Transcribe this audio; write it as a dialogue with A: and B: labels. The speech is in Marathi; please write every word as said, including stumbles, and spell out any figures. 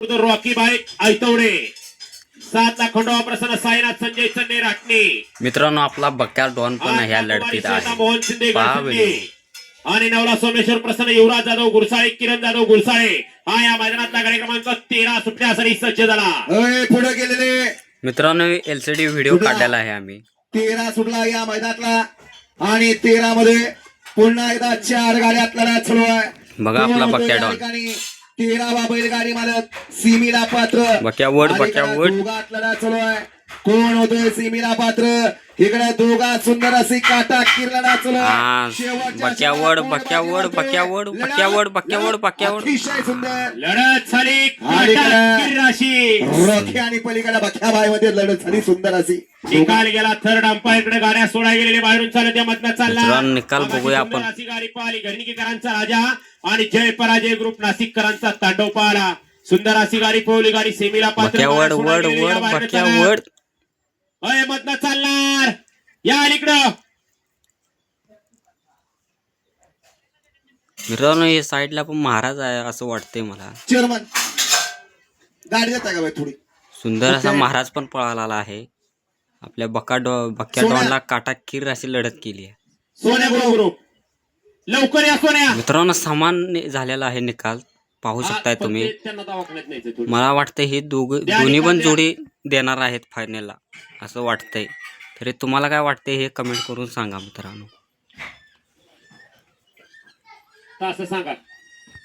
A: रॉकी बाई ऐतवडे सात लाख खंडोबा प्रसन्न साईनाथ संजय चन्ने राटणे
B: मित्रांनो आपला बक्या डॉन पण ह्या लढतीत
A: मोहन
B: आहे
A: शिंदे
B: पहा व्हिडिओ.
A: आणि नवला सोमेश्वर प्रसन्न युवराज जाधव गुरसाळे किरण जाधव गुरसाळे हा या मैदानातला गाडी क्रमांक तेरा सुटण्यासाठी सज्ज झाला.
C: पुढे गेलेले
B: मित्रांनो एलसीडी व्हिडिओ काढलेला आहे आम्ही.
C: तेरा सुटला या मैदानातला आणि तेरा मध्ये पुन्हा एकदा चार गाड्या लढत सुरू आहे.
B: बघा आपला बक्या डॉन.
C: तेरावा बैलगाडी मालक सीमीला पात्र
B: बक्या वड बक्या वड
C: दोघात लढत सुरू आहे. कोण होतोय सीमीला पात्र इकडे दोघा सुंदर अशी काटा किर लढत सुरू
B: हा बक्या वड बक्या वड बक्या वड बक्या वड बक्या वड बक्या वड
C: अतिशय सुंदर
A: लढत झाली राशी
C: रॉकी आणि पलीकडे बख्याबाई मध्ये लढत झाली सुंदर अशी.
A: निकाल गेला थर्ड अंपायरकडे गाड्या सोडा गेलेले बाहेरून चालत या मधनं चालला.
B: मित्रांनो, निकाल बघूया आपण.
A: अशी गाडी पाहिली घरणीकरांचा राजा आणि जय पराजय ग्रुप नाशिककरांचा तांडव पाहला. सुंदर अशी गाडी पळवली गाडी सेमीला पात्र
B: बक्या वड वड वड बक्या वड
A: अय मधनं चालणार या अलीकडं.
B: मित्रांनो हे साईडला पण महाराज आहे असं वाटतंय मला.
C: चेअरमन गाडी देता का बाई थोडी.
B: सुंदर असा महाराज पण पळाला आहे. आपल्या बक्का डॉ बक्या डॉनला काटा किर अशी लढत केली आहे.
A: सोन्या ग्रुप लवकर या सोन्या.
B: मित्रांनो समान झालेला आहे निकाल पाहू शकताय तुम्ही.
A: त्यांना दवाखान्यात न्यायचं थोडं.
B: मला वाटतं हे दोघ दोन्ही पण जोडी देणार आहेत फायनलला असं वाटतंय. तरी तुम्हाला काय वाटतंय हे कमेंट करून सांगा मित्रांनो.
A: असं सांगा.